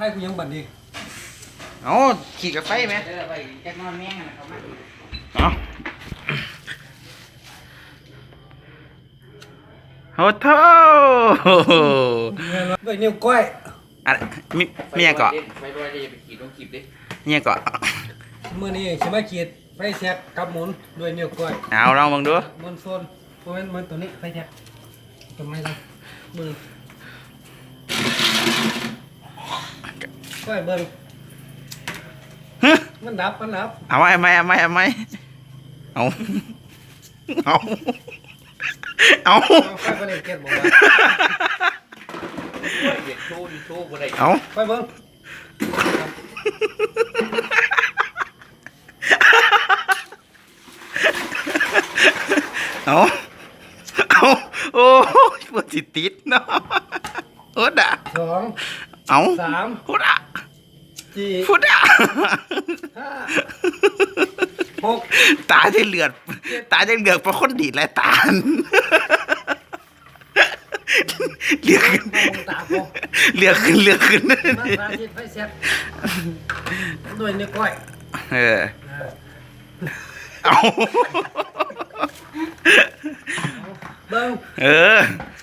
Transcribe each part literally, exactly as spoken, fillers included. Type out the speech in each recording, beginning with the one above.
ให้กูยังบัดดีเอาขี่กับไฟไหมเออไปแจ็คนอนแม่งนะครับมาเอาโอ้โธ่ด้วยนิ้วก้อยอะไรมีมีอย่างเกาะไปด้วยดิไปขีดลงขีดดิมีอย่างเกาะมือนี้ใช่ไหมขีดไฟแท็กกับหมุนด้วยนิ้วก้อยเอาลองมองดูหมุนโซนเพราะฉะนั้นมันตัวนี้ไฟแท็กตัวไม่ละมือก้อยเบิ้งมันดับมันดับเอาไหมเอาไหมเอาไหมเอาไหมเอาเอาเอาไฟก็เลยเก็บบอกว่าเด็กโชว์ดิโชว์อะไรเอาไฟเบิ้งเอาเอาโอ้ยปวดจิตติดเนาะโอ้ด่าสองเอาสามพุดอ่ะสี่พุดอ่ะห้าหกตาจะเหลือดตาจะเหลือดเพราะคนดีดและตาเหลือขึ้นเหลือขึ้นเหลือขึ้นมาสาธิตไฟแท็กด้วยนิ้วก้อยเออเอาเบิ้งเออ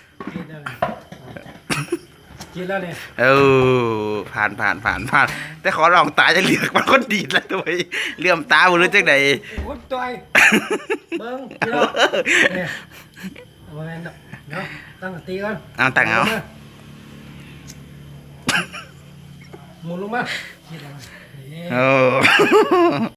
กินแล้วเนี่ยเออผ่านผ่านผ่านผ่านแต่ขอลองตาจะเหลือกมันคนดีดแล้วตัวเลื่อมตาบุรุษจังไหนโอ้ยตัวเบิ้งกินแล้วเนี่ยเอาไว้เนาะเนาะตั้งตีก่อนเอาตั้งเอาหมุนลงมาโอ้